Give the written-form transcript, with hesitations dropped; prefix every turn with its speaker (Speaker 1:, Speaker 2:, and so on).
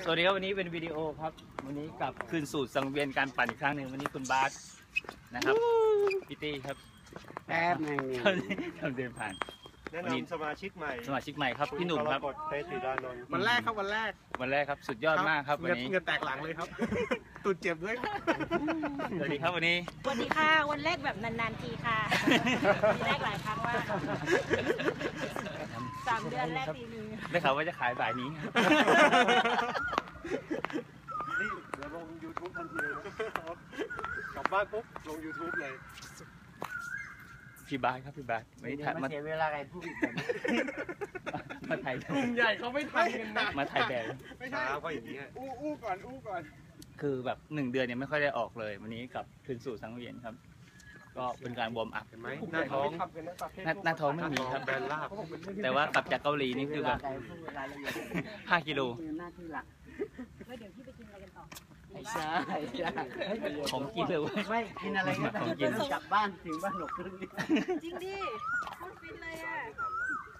Speaker 1: สวัสดีครับวันนี้เป็นวิดีโอครับวันนี้กลับคืนสู่สังเวียนการปั่นอีกครั้งหนึ่งวันนี้คุณบาสนะครับพี่ตี้ครับ
Speaker 2: แป๊บนึงเนี่ย
Speaker 1: ทำเดินผ่าน
Speaker 3: แนะนำสมาชิกใหม่
Speaker 1: ครับพี่หนุ่มครับ
Speaker 3: เตติดานนท์
Speaker 2: วันแรกครับวันแรก
Speaker 1: ครับสุดยอดมากครับวันนี้
Speaker 2: เงินแตกหลังเลยครับตุดเจ็บด้วย
Speaker 1: สวัสดีครับวันนี้
Speaker 4: สวัสดีค่ะวันแรกแบบนานๆทีค่ะทีแรกหลายครั้งมาก3 เดือนแรกทีนึง
Speaker 1: ได้ข่าวว่าจะขายบ่ายนี้
Speaker 3: นี่เดี๋ยวลง YouTube ทันทีเลยกลับบ้านปุ๊บลง YouTube เลย
Speaker 1: พี่บาสครับพี่บาสวันนี้
Speaker 2: มาเสียเวลาอะไรพูด
Speaker 1: มาถ่าย
Speaker 2: กลุ่มใหญ่เขาไม่ทันกันนะ
Speaker 1: มาถ่ายแบบ
Speaker 3: ไม่ใช่เพราะอย่างนี้
Speaker 2: อู้ก่อน
Speaker 1: คือแบบ1 เดือนเนี่ยไม่ค่อยได้ออกเลยวันนี้กับคืนสู่สังเวียนครับก็เป็นการวอร์มอัพ
Speaker 3: เห็นไหมหน้าท้อง
Speaker 1: ไม่มีครับ
Speaker 3: แบนลาบ
Speaker 1: แต่ว่ากลับจากเกาหลีนี่คือแบบ5 กิโล
Speaker 4: แล้วเดี๋ยวพี่ไปกินอะไรกันต่อ
Speaker 2: ไม่ใช่
Speaker 1: ของกินเลย
Speaker 2: ไม่กินอะไรก็ได้กลับบ้านถึงบ้านหนกครึ่ง
Speaker 4: จริงดิพูดฟินเลยอ่ะ